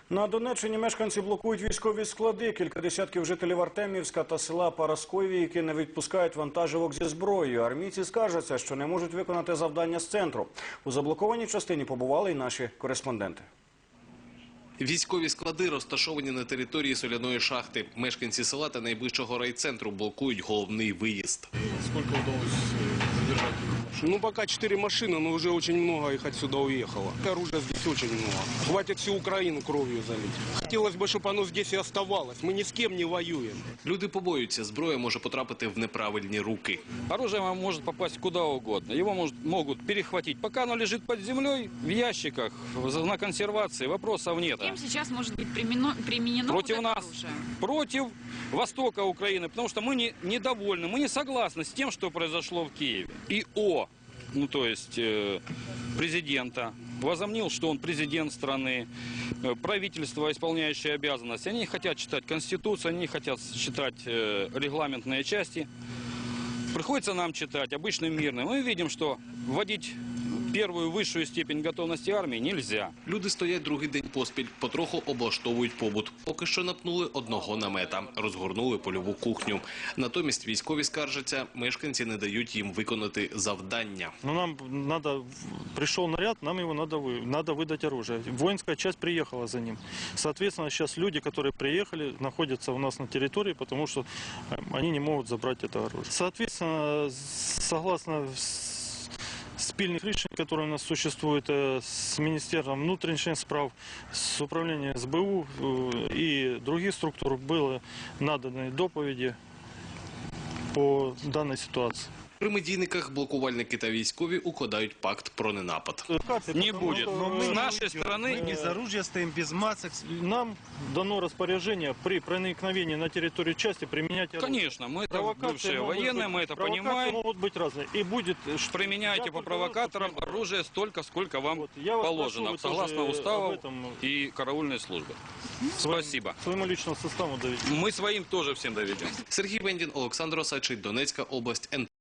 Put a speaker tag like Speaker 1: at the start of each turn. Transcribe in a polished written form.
Speaker 1: На Донеччині мешканці блокують військові склади. Кілька десятків жителів Артемівська та села Параскові не відпускають вантажівок зі зброєю. Армійці скаржаться, що не можуть виконати завдання з центру. У заблокованій частині побували і наші кореспонденти.
Speaker 2: Військові склади розташовані на території соляної шахти. Мешканці села та найближчого райцентру блокують головний виїзд.
Speaker 3: Сколько удалось задержать? Ну, пока 4 машины, но уже очень много их отсюда уехало. Оружия здесь очень много. Хватит всю Украину кровью залить. Хотелось бы, чтобы оно здесь и оставалось. Мы ни с кем не воюем.
Speaker 2: Люди побоюються, зброя може потрапити в неправильні руки.
Speaker 4: Оружие может попасть куда угодно. Его могут перехватить. Пока оно лежит под землей, в ящиках, на консервации, вопросов нет.
Speaker 5: Кем сейчас может быть применено
Speaker 4: против
Speaker 5: вот
Speaker 4: нас,
Speaker 5: оружие?
Speaker 4: Против востока Украины, потому что мы недовольны, мы не согласны с тем, что произошло в Киеве. ИО, то есть президента, возомнил, что он президент страны, правительство, исполняющее обязанности. Они не хотят читать Конституцию, они не хотят читать регламентные части. Приходится нам читать, обычным мирным. Мы видим, что вводить первую высшую степень готовности армии нельзя.
Speaker 2: Люди стоять другий день поспіль, потроху облаштовують побут. Поки що напнули одного намета, розгорнули польову кухню. Натомість військові скаржаться, мешканці не дають їм виконати завдання.
Speaker 6: Нам надо, пришел наряд, нам его надо выдать оружие. Воинская часть приехала за ним. Соответственно, сейчас люди, которые приехали, находятся у нас на территории, потому что они не могут забрать это оружие. Соответственно, согласно спільних рішень, які у нас существуют с Министерством внутренних справ, с управлением СБУ и других структур, были наданы доповіді по данной ситуации.
Speaker 2: При медійниках блокувальники та військові укладають пакт про ненапад.
Speaker 4: Не будет. С нашей стороны
Speaker 7: Мы без оружия стоим, без масок.
Speaker 6: Нам дано распоряжение при проникновении на территорию части применять оружие.
Speaker 4: Конечно, мы это бывшие военные, мы это понимаем.
Speaker 6: Могут быть разные. И будет...
Speaker 4: Применяйте по провокаторам оружие столько, сколько вам положено, согласно уставу и караульной службы. Спасибо.
Speaker 6: Своему личному составу доведем.
Speaker 4: Мы своим тоже всем доведем.
Speaker 2: Сергій Вендін, Олександр Осадчий, Донецька область, НТ.